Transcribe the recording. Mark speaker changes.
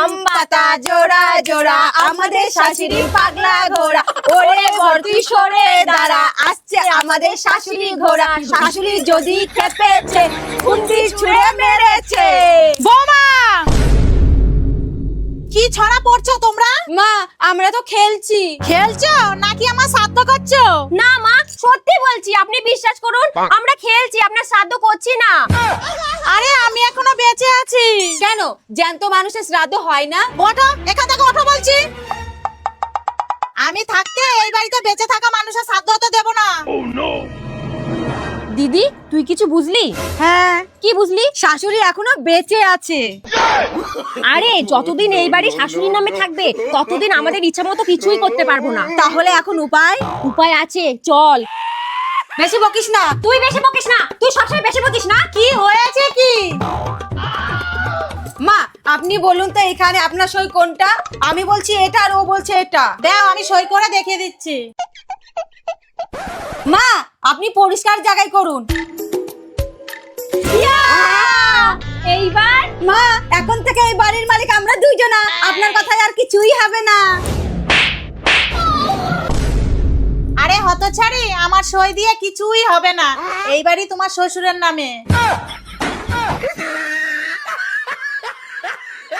Speaker 1: আম পাতা জোড়া জোড়া, আমাদের শাশুড়ি পাগলা ঘোড়া। ওরে বর তুই সরে দাঁড়া, আসছে আমাদের শাশুড়ি ঘোড়া। শাশুড়ি যদি খেপেছে, খুন্তি ছুঁড়ে মেরেছে।
Speaker 2: বৌমা, কি ছড়া পড়ছো তোমরা?
Speaker 1: মা আমরা তো খেলছি।
Speaker 2: খেলছো নাকি আমার শ্রাদ্ধ করছো?
Speaker 1: না মা, সত্যি বলছি, আপনি বিশ্বাস করুন, আমরা খেলছি, আপনার শ্রাদ্ধ করছি না।
Speaker 2: আরে আমি এখনো বেঁচে আছি।
Speaker 1: কেন, জ্যান্ত মানুষের শ্রাদ্ধ হয় না?
Speaker 2: ওঠো, এখান থেকে ওঠো বলছি। আমি থাকতে এই বাড়িতে বেঁচে থাকা মানুষের শ্রাদ্ধ হতে দেব না।
Speaker 1: দিদি তুই কিছু বুঝলি?
Speaker 2: হ্যাঁ,
Speaker 1: কি বুঝলি?
Speaker 2: শাশুড়ি এখনো বেঁচে আছে।
Speaker 1: আরে যতদিন এই বাড়ি শাশুড়ির নামে থাকবে, ততদিন আমাদের ইচ্ছা মতো কিছুই করতে পারবো না।
Speaker 2: তাহলে এখন উপায়?
Speaker 1: উপায় আছে, চল।
Speaker 2: বেশি বকিস না।
Speaker 1: তুই বেশি বকিস না, তুই সবসময় বেশি বকিস না।
Speaker 2: কি হয়েছে কি? মা আপনি বলুন তো, এখানে আপনার সই কোনটা? আমি বলছি এটা আর ও বলছে এটা। দাও আমি সই করে দেখিয়ে দিচ্ছি। মা আপনি পরিষ্কার জায়গায় করুন।
Speaker 1: এইবার
Speaker 2: মা এখন থেকে এই বাড়ির মালিক আমরা দুইজনা, আপনার কথায় আর কিছুই হবে না। আরে হতছাড়ি, আমার সই দিয়ে কিছুই হবে না। এই বাড়ি তোমার শ্বশুরের নামে।